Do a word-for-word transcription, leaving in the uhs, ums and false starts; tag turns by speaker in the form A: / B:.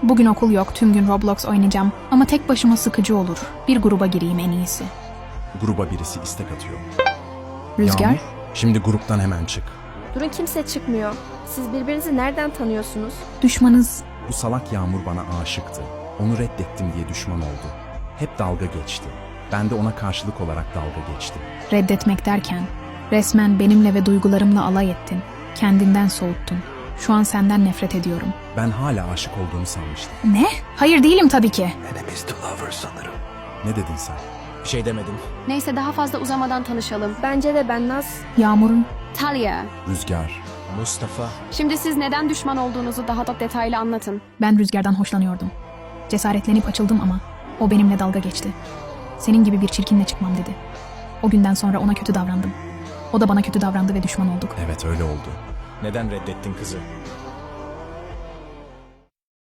A: Bugün okul yok, tüm gün Roblox oynayacağım. Ama tek başıma sıkıcı olur. Bir gruba gireyim en iyisi.
B: Gruba birisi istek atıyor.
A: Rüzgar?
B: Yağmur, şimdi gruptan hemen çık.
C: Durun, kimse çıkmıyor. Siz birbirinizi nereden tanıyorsunuz?
A: Düşmanız.
B: Bu salak Yağmur bana aşıktı. Onu reddettim diye düşman oldu. Hep dalga geçti. Ben de ona karşılık olarak dalga geçtim.
A: Reddetmek derken resmen benimle ve duygularımla alay ettin. Kendinden soğuttun. Şu an senden nefret ediyorum.
B: Ben hala aşık olduğunu sanmıştım.
A: Ne? Hayır değilim tabii ki.
D: Enemies to lovers sanırım.
B: Ne dedin sen?
E: Bir şey demedim.
F: Neyse, daha fazla uzamadan tanışalım.
C: Bence de ben Naz.
A: Yağmur'un
F: Talia.
B: Rüzgar.
E: Mustafa.
F: Şimdi siz neden düşman olduğunuzu daha da detaylı anlatın.
A: ben Rüzgar'dan hoşlanıyordum. Cesaretlenip açıldım ama o benimle dalga geçti. Senin gibi bir çirkinle çıkmam dedi. O günden sonra ona kötü davrandım. O da bana kötü davrandı ve düşman olduk.
B: Evet öyle oldu.
E: Neden reddettin kızı?